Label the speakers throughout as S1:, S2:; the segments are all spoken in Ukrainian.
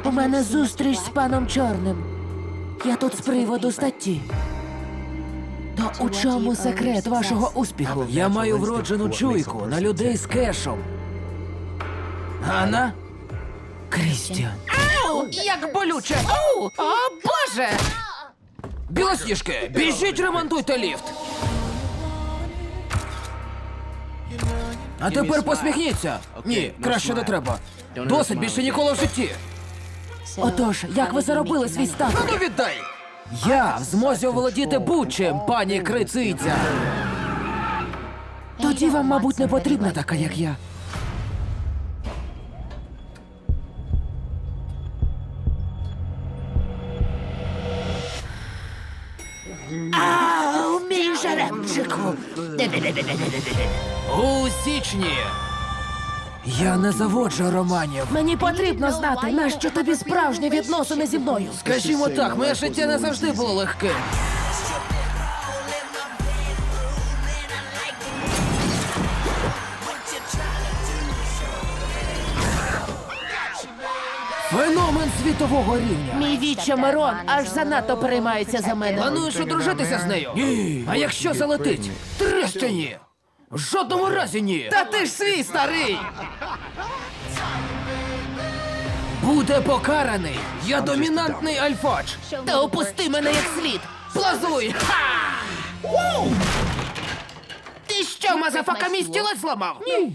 S1: У мене зустріч з паном Чорним. Я тут з приводу статті. То у чому секрет вашого успіху?
S2: Я маю вроджену чуйку на людей з кешем. Ганна?
S1: Крістіан.
S2: Ау, як болюче! Ау! О, Боже! Білосніжки, біжіть, ремонтуйте ліфт! А тепер посміхніться! Ні, краще не треба. Досить більше ніколи в житті!
S1: Отож, як ви заробили свій статок?
S2: Ну віддай! Я в змозі оволодіти будь-чим, пані Крициця!
S1: Тоді вам, мабуть, не потрібна така, як я. Ау, мій жеребчику!
S2: У січні! Я не заводжу романів.
S1: Мені потрібно знати, нащо тобі справжні відносини зі мною.
S2: Скажімо так, моє життя не завжди було легким. Феномен світового рівня.
S1: Мій віче Мирон аж занадто переймається за мене.
S2: Плануєш одружитися з нею? Ні. А якщо залетить? Треща ні. В жодному разі ні. Та ти ж свій старий. Буде покараний. Я домінантний альфач.
S1: Та опусти мене як слід.
S2: Плазуй! Ха!
S1: Ти що,
S2: Мазафака, мій стілець зламав?
S1: Ні.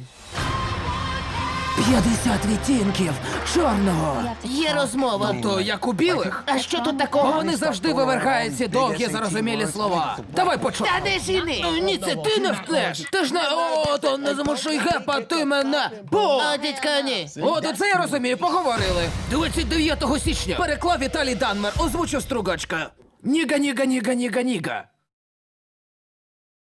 S2: 50 відтінків чорного.
S1: Є розмова.
S2: То як у білих?
S1: А що тут
S2: Бо
S1: такого?
S2: вони завжди вивергають ці довгі зарозумілі слова. Давай почнемо.
S1: Та де ж іни?
S2: Ні, це ти не втнеш. Ти ж не то не змушуй гепати мене. Бо!
S1: О, дідька, ні.
S2: О, то це я розумію, поговорили. 29 січня переклав Віталій Данмер, озвучив Стругачка. Ніга, ніга, ніга, ніга, ніга.